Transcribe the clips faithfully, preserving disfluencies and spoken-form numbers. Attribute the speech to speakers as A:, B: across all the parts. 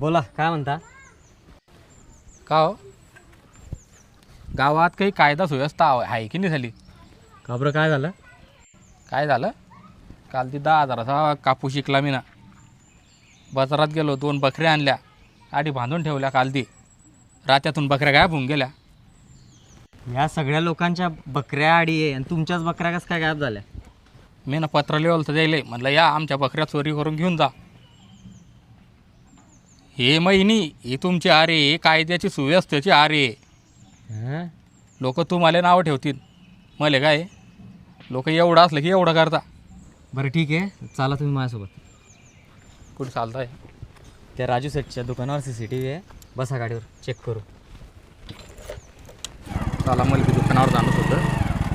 A: बोला, काय म्हणता?
B: का हो गावात काही कायदा सुव्यवस्था आहे की नाही झाली?
A: का बरं, काय झालं?
B: काय झालं? काल ती दहा हजाराचा कापूस शिकला मी ना. बाजारात गेलो, दोन बकऱ्या आणल्या, आधी बांधून ठेवल्या. काल ती रात्यातून बकऱ्या गायब होऊन गेल्या.
A: या सगळ्या लोकांच्या बकऱ्या आडी आहे आणि तुमच्याच बकऱ्या कसं काय गायब झाल्या?
B: मी ना पत्र लिहिलं तर द्यायला म्हटलं या आमच्या बकऱ्या चोरी करून घेऊन जा. हे महिनी ही तुमची आरे, हे कायद्याची सुव्यवस्थेची आरे.
A: हां,
B: लोक तुम्हाला नावं ठेवतील, मला काय लोक एवढं असलं की एवढं करता.
A: बरं ठीक आहे, चला तुम्ही माझ्यासोबत.
B: कुठं चालताय?
A: त्या राजू सेटच्या दुकानावर सी सी टी व्ही आहे, बसा गाडीवर, चेक करू.
B: चला, मला बी दुकानावर जाणं होतं.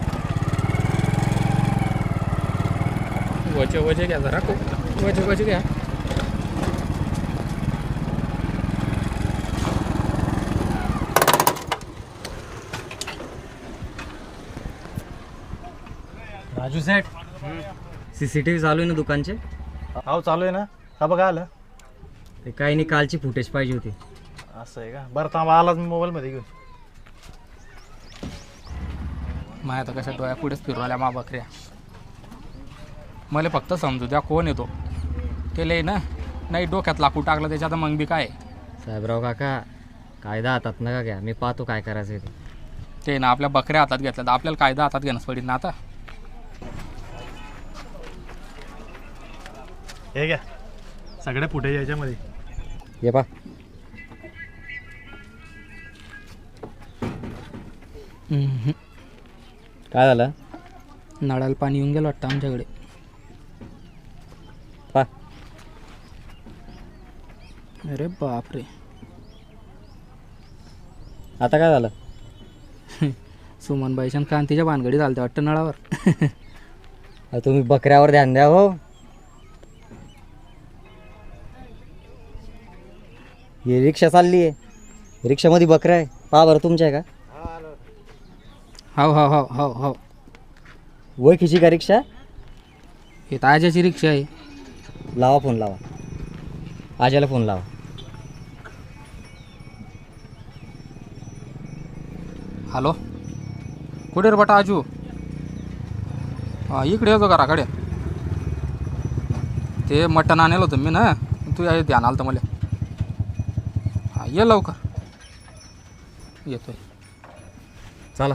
B: वजे वजे घ्या जरा, खूप वजे वजे घ्या.
A: Raju set, C C T V चालू आहे ना दुकानचे?
C: हो चालू आहे ना. का बघा आलं?
A: ते काही नाही, कालची फुटेज पाहिजे होती.
C: असं आहे का? बरं थांबा, आलाच मी मोबाईलमध्ये घेऊन.
B: माझ्या तर कशा डोळ्या पुढेच फिरून आल्या मा बकऱ्या. मला फक्त समजू द्या कोण येतो. ते लय ना नाही डोक्यात लाकूड टाकलं त्याच्यात, मग बी काय.
A: साहेबराव काका, कायदा हातात नका घ्या, मी पाहतो काय करायचं आहे ते.
B: ते ना आपल्या बकऱ्या हातात घेतल्या तर आपल्याला कायदा हातात घेणंच पडेल ना आता.
C: हे घ्या सगळ्या फुटेज याच्यामध्ये.
A: ये पा. काय झालं?
B: नळाला पाणी येऊन गेलं वाटतं आमच्याकडे.
A: पा.
B: अरे बापरे.
A: आता काय झालं?
B: सुमनबाईच्या क्रांतीच्या भानगडी चालते वाटतं नळावर.
A: तुम्ही बकऱ्यावर ध्यान द्या हो. ही रिक्षा चालली आहे, रिक्षामध्ये बकऱ्या आहे, पहा बरं तुमच्या आहे का?
B: हो हो हो हो हो
A: ओळखीची का रिक्षा?
B: हे ताज्याची रिक्षा आहे.
A: लावा फोन, लावा आज्याला फोन लावा.
B: हॅलो, कुठे रे बटा आजू? हां, इकडे येतो घराकडे. ते मटण आणलं होतं मी ना, तू या ध्यान आलं तर मला. हां, ये लवकर. येतोय,
A: चला.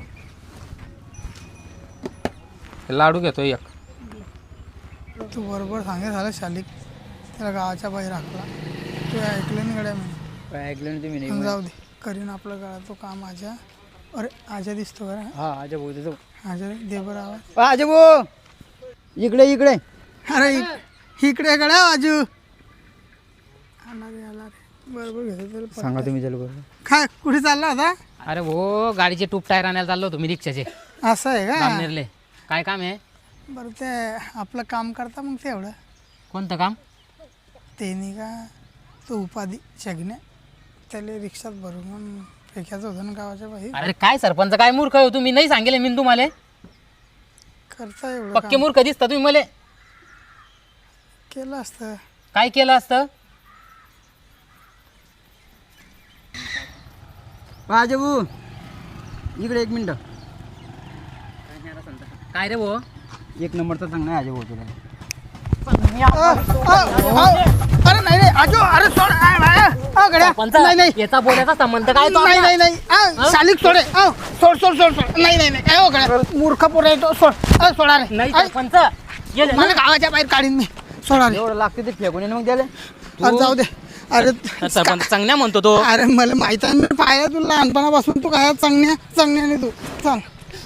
B: लाडू घेतोय एक.
D: तू बरोबर सांगे झालं शालिक, त्याला गावाच्या बाहेर हाकला. तू ऐकलं नाही गड्या म्हणे.
E: काय ऐकलं नाही तुम्ही?
D: पण जाऊ दे, करीन आपलं गाळा तो काम. आजा, अरे आजा दिसतो बरं.
E: हा आजा भाऊ देतो.
D: आजा दे बरं आवाज.
E: आजा भाऊ इकडे इकडे.
D: अरे इक- इकडे गड्या आजू. आला रे आला रे, बरोबर घेतो त्याला.
E: सांगा तुम्ही चल बरोबर.
D: काय कुठे चालला होता?
E: अरे हो, गाडीचे टूप टायर आणायला चाललो होतो मी, रिक्षाचे
D: असं आहे का?
E: जामनेरले. काय काम आहे?
D: बरं ते आपलं काम करता मग तेवढं.
E: कोणतं काम?
D: ते नाही का तो उपाधी शगण्या, त्याला रिक्षात भरून फेकायचं होतं ना गावाच्या बाहेर.
E: अरे काय सरपंच, काय मूर्ख हो तुम्ही, नाही सांगेल मी तुम्हाला.
D: करता एवढं
E: पक्के
D: काम.
E: मूर्ख दिसता तुम्ही मला.
D: केलं असतं.
E: काय केलं असतं? आजा भाऊ इकडे एक मिनिट. काय रे भाऊ? एक नंबरचा चांगला आहे आजा भाऊ तुला.
D: अरे नाही रे आजो, अरे सोड. आ, आ, आ, गड्या. नाही नाही
E: याचा बोलायचा संबंध काय तो
D: नाही
E: आपला?
D: नाही नाही आ, शालिक सोडे. आ, सोड सोड सोड सोड. नाही नाही नाही काय हो गड्या, मूर्ख पोर आहे तो. सोड. आ, सोडा रे.
E: नाही
D: आ,
E: सरपंच गेले ना.
D: मला गावाच्या बाहेर काढीन मी. सोडा रे.
E: एवढं लागते ते फेकून ये ना मग द्याले.
D: अरे जाऊ दे. अरे
E: सरपंच चांगल्या म्हणतो तो.
D: अरे मला माहित आहे, मी पाहिलं तू लहानपणापासून. तू काय चांगल्या चांगल्याने तू चल.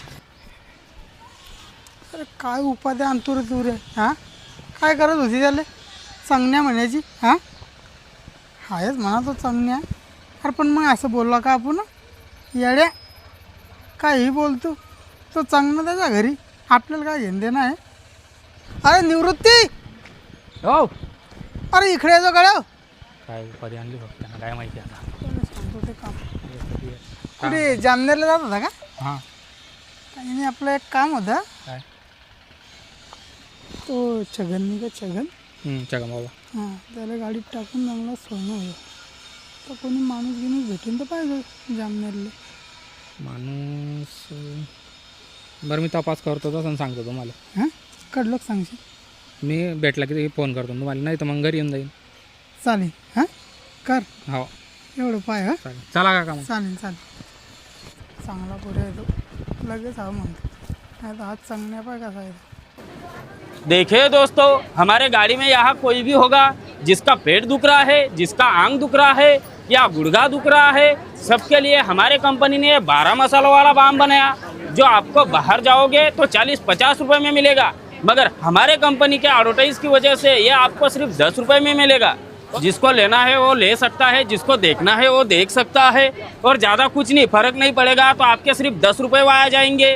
D: अरे काय उपाध्या आणतो रे तू रे. हां, काय करत होती त्याला चांगल्या म्हणायची? हां, आहेच म्हणा तो चांगल्या. अरे पण मग असं बोलला का आपण? येड्या काही बोलतो तो चांगला त्याच्या घरी, आपल्याला काय घेणं देणं आहे? अरे निवृत्ती,
B: हो,
D: अरे इकडे येतो गड्या.
B: काय उपाधी आणली फक्त त्यांना काय माहिती आता.
D: सांगतो ते काम. कुठे जामनेरला जात होता का?
B: हां,
D: काही नाही, आपलं एक काम होतं.
B: काय?
D: तो छगन नाही का, छगन
B: हम्म, छगन बाबा
D: हां त्याला गाडीत टाकून चांगला सोनं होईल. तर कोणी माणूस गिणूस भेटून तर पाहिजे जामनेरले.
B: माणूस अं, बरं मी तपास करतो तसं सांगतो तुम्हाला.
D: हां कडलोक सांगशील.
B: मी भेटला की फोन करतो तुम्हाला, नाही तर मग घरी येऊन जाईन.
D: चालेल हां कर
B: हो
D: एवढं पाय हां
B: चालेल. चला काका मग.
D: चालेल चालेल चांगला पुढे येतो लगेच हा म्हणतो नाही तर हात चांगल्या पाय कसा येतो.
F: देखिए दोस्तों, हमारे गाड़ी में यहाँ कोई भी होगा जिसका पेट दुख रहा है, जिसका आंग दुख रहा है या गुड़गा दुख रहा है, सबके लिए हमारे कंपनी ने बारह मसालों वाला बाम बनाया जो आपको बाहर जाओगे तो चालीस पचास रुपए में मिलेगा, मगर हमारे कंपनी के एडवर्टाइज की वजह से ये आपको सिर्फ दस रुपए में मिलेगा. जिसको लेना है वो ले सकता है, जिसको देखना है वो देख सकता है, और ज़्यादा कुछ नहीं, फर्क नहीं पड़ेगा. तो आपके सिर्फ दस रुपये वाया जाएंगे.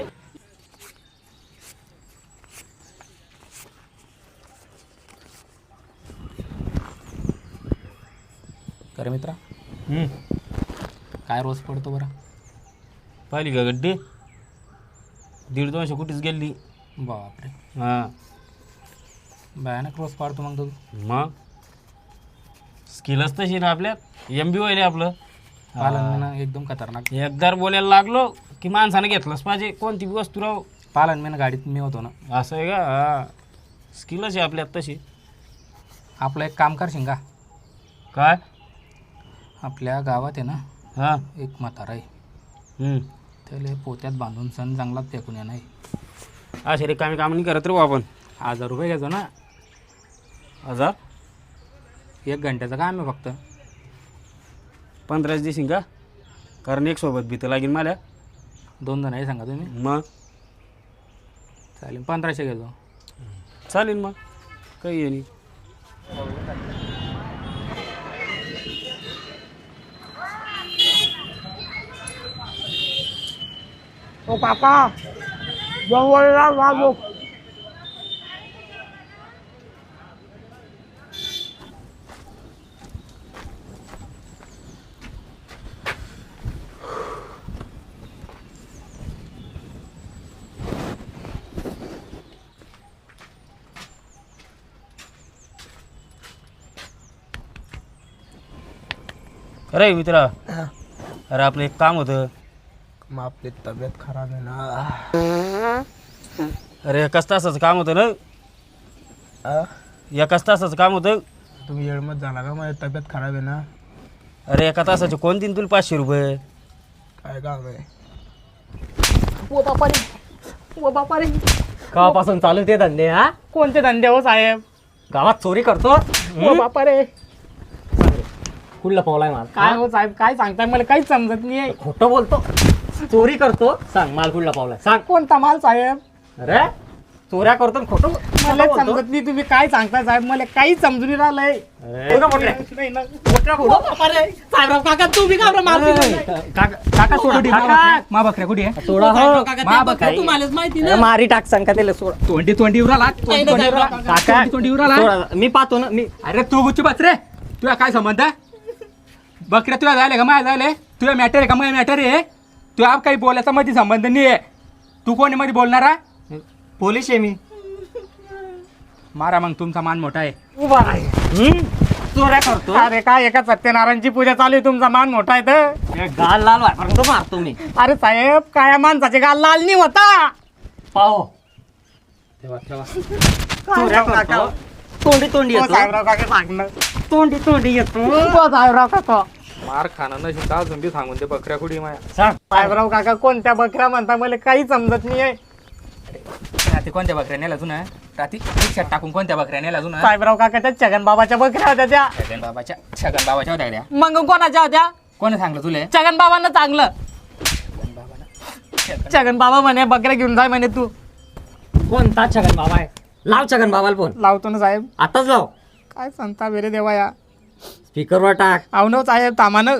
B: अरे मित्रा काय रोज पडतो बरं?
F: पाहिली का गड्डी? दीड दोनशे कुठेच गेली.
B: बापरे,
F: हां
B: भयानक रोज पाडतो मग तू.
F: मग स्किलच तशी ना आपल्यात. एम बी होईल आपलं.
B: पालन ना एकदम खतरनाक.
F: एकदा बोलायला लागलो की माणसानं घेतलंच पाहिजे कोणती बी वस्तू राहू.
B: पालन मी ना गाडीत मी होतो ना.
F: असं आहे का? हां स्किलच आहे आपल्यात तशी.
B: आपलं एक काम करशील का?
F: काय?
B: आपल्या गावात आहे ना
F: हां
B: एक म्हातारा आहे,
F: हम्म.
B: त्याला पोत्यात बांधून सण चांगलाच फेकून येणार.
F: असे रिकामी काम नाही करत रे आपण.
B: हजार रुपये घ्यायचो ना.
F: हजार
B: एक घंट्याचं काम आहे फक्त.
F: पंधराच देशील का? कारण एक सोबत भीतं लागेल मला.
B: दोन जण आहे सांगा तुम्ही.
F: मग
B: चालेल पंधराशे घ्यायचो.
F: चालेल मग काही नाही.
D: ओ काका जवळला वाजो.
F: अरे मित्रा, अरे आपलं एक काम होतं.
E: मग आपली तब्येत खराब आहे ना.
F: अरे एकाच तासाचं काम होतं ना. एकाच तासाचं काम होतं.
E: तुम्ही येळमत झाला का? माझी तब्येत खराब आहे ना.
F: अरे एका तासाचे कोण देईन तुला पाचशे रुपये?
E: काय काम आहे?
D: ओ बापा रे ओ बापा रे
A: केव्हापासून चालू ते धंदे? हा
D: कोणते धंदे हो साहेब?
A: गावात चोरी करतो.
D: ओ बापा रे
A: कुठला पावलाय मला?
D: काय हो साहेब काय सांगताय मला काहीच समजत नाही.
A: खोटं बोलतो. चोरी करतो. सांग माल कुठला पावलाय? सांग.
D: कोणता माल साहेब?
A: अरे चोऱ्या करतो आणि खोटं
D: मला
A: खोटं बोलतो.
D: समजत नाही तुम्ही काय सांगताय साहेब. मला काहीच समजून नाही राहिलंय.
A: अरे, खोटं बोलले.
D: नाही ना.
A: खोटं बोलतो.
D: साहेबराव काका तुम्ही का बरं माल दिला नाही?
B: काका सोडा
A: काका.
B: मा बकऱ्या कुठे आहे?
A: सोडा हो.
B: मा बकऱ्या
D: तुम्हालाच माहिती
A: अरे, मारी टाक सांग का त्याला सोडा.
B: ट्वेंटी ट्वेंटी उराला
D: नाही ना, साहेबराव काका.
A: काका
B: ट्वेंटी उराला.
A: सोडा. मी पाहतो ना मी.
B: अरे तू गुच्ची बस रे. तुला काय संबंध आहे? बकऱ्या तुला जायले का माय जायले? तुला मॅटर आहे का माय मॅटर आहे? तुला काही बोलायचा मध्ये संबंध नाही आहे. तू कोणी मध्ये बोलणारा?
A: पोलीस आहे मी.
B: मारा मग, तुमचा मान मोठा आहे.
D: उभा आहे.
A: हम्म? चोऱ्या करतो.
D: अरे काय एका सत्यनारायणची पूजा चालू आहे, तुमचा मान मोठा आहे तर.
A: हे गाल लाल व्हायपर्यंत मारतो मी.
D: अरे साहेब काय माणसाचे गाल लाल नाही होता.
A: पाहो
B: ठेवा ठेवा.
A: चोऱ्या करतो. तोंडी तोंडी
D: ओ
A: येतो.
D: साहेबराव काका सांगणं.
A: तोंडी तोंडी येतो.
D: ओ साहेबराव काका
B: मार खाणं नशी का अजून बी सांगून ते बकऱ्या कुठे माया.
A: सांग.
D: साहेबराव काका कोणत्या बकऱ्या म्हणता मला काही समजत नाही आहे.
B: रात्री कोणत्या बकऱ्या नेला अजून? रात्री रिक्षात टाकून कोणत्या बकऱ्या नेला अजून?
D: साहेबराव काकाच्या छगन बाबाच्या बकऱ्या होत्या त्या.
B: छगन बाबाच्या छगन बाबाच्या होत्या गड्या.
D: मग कोणाच्या होत्या?
B: कोणी सांगलं तुले?
D: छगन बाबांना चांगलं. छगन बाबा म्हणे बकऱ्या घेऊन जाय म्हणे तू.
A: कोणता छगन बाबा आहे? लाव छगन बाबाला फोन.
D: लावतो ना साहेब.
A: आताच लाव.
D: काय सांगता बेरे देवा या.
A: स्पीकरवर टाक.
D: आव ना साहेब तामानं.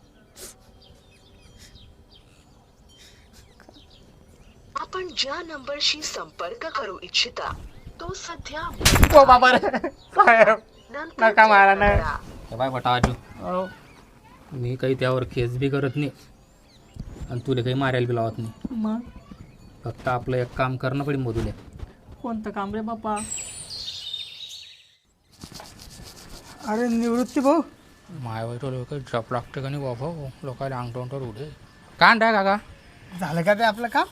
G: आपण ज्या नंबरशी संपर्क करू इच्छिता तो सध्या
D: ओ बाबा रे साहेब
G: नंतर
D: नका मारा ना.
G: करा.
B: हे बाय बटा आजू,
D: हो.
B: मी काही त्यावर केस बी करत नाही आणि तुला काही मारायला बी लावत नाही.
D: मग
B: फक्त आपलं एक काम करणं पडेल मधुले.
D: कोणतं काम रे बापा? अरे निवृत्ती भाऊ
B: माय वाईट लोक जप लागते का नाही बाबा लोकांना अंगठवंटर उडे काय आणताय काका
D: झालं का ते आपलं काम?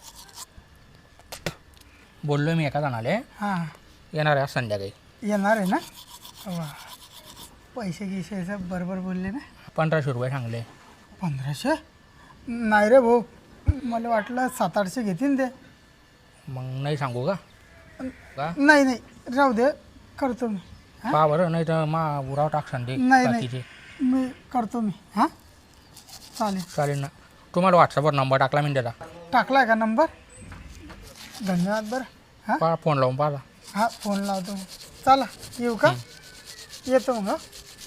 B: बोललो मी एका जणाले
D: हां
B: येणार आहे आज संध्याकाळी.
D: येणार आहे ना? वा पैसे गिशायचं बरोबर बोलले ना.
B: पंधराशे रुपये सांगले.
D: पंधराशे नाही रे भाऊ, मला वाटलं सात आठशे घेतील ते.
B: मग नाही सांगू का का
D: नाही नाही राहू दे, करतो मी.
B: पहा बरं नाही तर मा उराव टाकसान दे
D: नाही
B: बाकीचे.
D: नाही मी करतो मी. हां चालेल.
B: चालेल ना. तुम्हाला व्हॉट्सअपवर नंबर टाकला मी त्याला.
D: टाकला का नंबर? धन्यवाद. बरं हां
B: पहा फोन लावून पाहा.
D: हां फोन लावतो मग. चला येऊ का? येतो मग.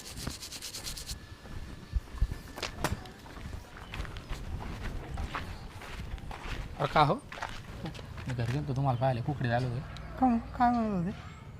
B: अरे का हो मी घरी गेलो तुम्हाला पाहिले कुकडे झालो होते.
D: का मग? काय म्हणत होते?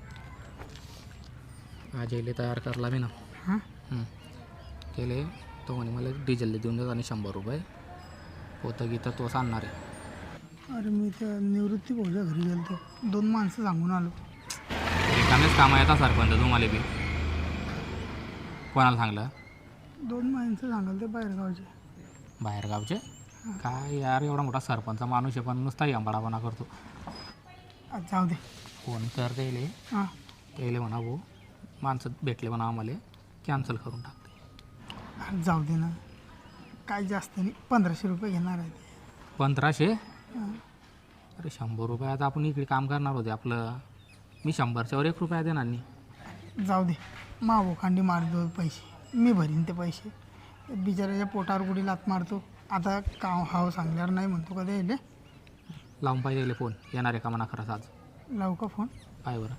B: आज येले तयार करला मी ना.
D: हां
B: हं. केले तो म्हणे मला डिझेलला देऊन देत आणि शंभर रुपये होतं गीतं तोच आणणार आहे.
D: अरे मी त्या निवृत्ती भाऊच्या घरी गेलो, दोन माणसं सांगून आलो.
B: रिकामेच कामं येतात सरपंच तुम्हाला बी. कोणाला सांगलं?
D: दोन माणसं सांगाल ते बाहेरगावचे.
B: बाहेरगावचे काय यार एवढा मोठा सरपंच माणूस आहे पण नुसता यंबाडापणा करतो.
D: आज जाऊ दे.
B: फोन कर त्याले
D: हां
B: त्याले म्हणा भाऊ माणसं भेटले म्हणा आम्हाला कॅन्सल करून टाकते.
D: आज जाऊ दे ना, काय जास्त नाही, पंधराशे रुपये घेणार आहे ते.
B: पंधराशे?
D: हां.
B: अरे शंभर रुपये आता आपण इकडे काम करणार होते आपलं. मी शंभरच्यावर एक रुपया देणार नाही.
D: जाऊ दे, मावो खांडी मारतो पैसे, मी भरीन ते पैसे. बिचाराच्या पोटावर कुठे लात मारतो. आता काम हाव सांगल्यावर नाही म्हणतो का ते.
B: लावून पाहिजे फोन येणार आहे का म्हणा खरंच आज.
D: लावू का फोन?
B: पाय बरं.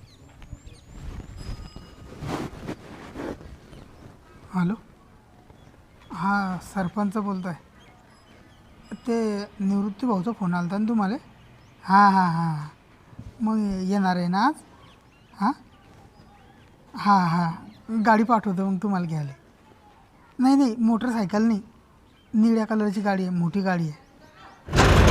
D: हॅलो हां सरपंच बोलतो आहे. ते निवृत्ती भाऊचा फोन आला होता ना तुम्हाला? हां हां हां मग येणार आहे ना आज? हां हां हां गाडी पाठवतो मग तुम्हाला घ्यायला. नाही नाही मोटरसायकल नाही, निळ्या कलरची गाडी आहे, मोठी गाडी आहे.